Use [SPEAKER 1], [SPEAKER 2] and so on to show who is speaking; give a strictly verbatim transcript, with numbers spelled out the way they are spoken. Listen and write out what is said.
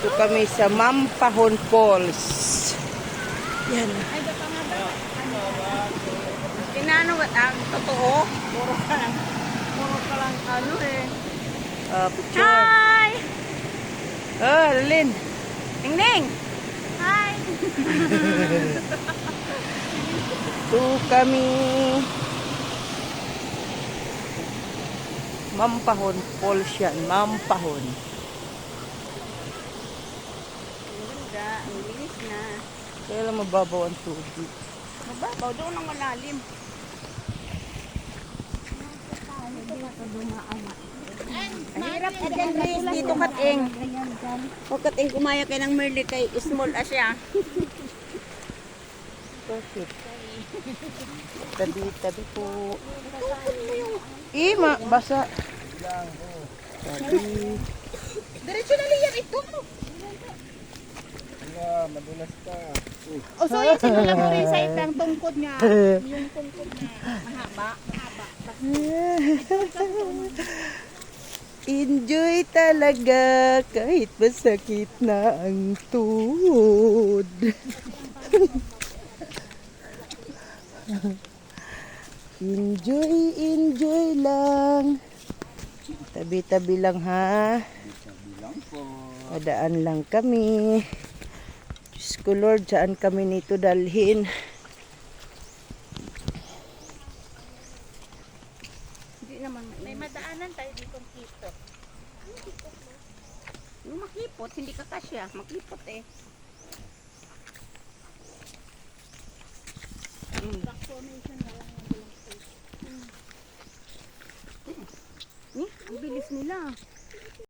[SPEAKER 1] Dito kami sa Mampahon Falls. Yan.
[SPEAKER 2] Tinano ba ang totoo? Puro ka lang. Puro ka lang ano eh.
[SPEAKER 1] Uh, picture.
[SPEAKER 2] Hi!
[SPEAKER 1] Oh, Lin.
[SPEAKER 2] Ning Ning! Hi!
[SPEAKER 1] Ito kami. Mampahon Falls yan. Mampahon.
[SPEAKER 2] Ganda, ang linis na.
[SPEAKER 1] Kaya lang mababaw ang tubig.
[SPEAKER 2] Mababaw, doon ang malalim. Ang hirap ka dyan, Grace. Dito kating. Huwag kating kumaya kayo ng Merle kay small asya.
[SPEAKER 1] Bakit? Tabi-tabi po. Ima, basa. Tabi.
[SPEAKER 2] Diretso na liyan ito.
[SPEAKER 3] Wala, madulas ka.
[SPEAKER 2] O so yun, sinula mo rin sa itang tungkod nga. Yung tungkod na mahaba. Mahaba.
[SPEAKER 1] Enjoy talaga kahit masakit na ang tuhod. Enjoy, enjoy lang. Tabi-tabi lang ha.
[SPEAKER 3] Bilang po.
[SPEAKER 1] Padaan lang kami. Diyos ko Lord, saan kami nito dalhin?
[SPEAKER 2] Hindi naman. May madaanan tayo dito kipot. Yung makipot, hindi ka kasya. Makipot eh. Mm. Hmm, ang bilis nila.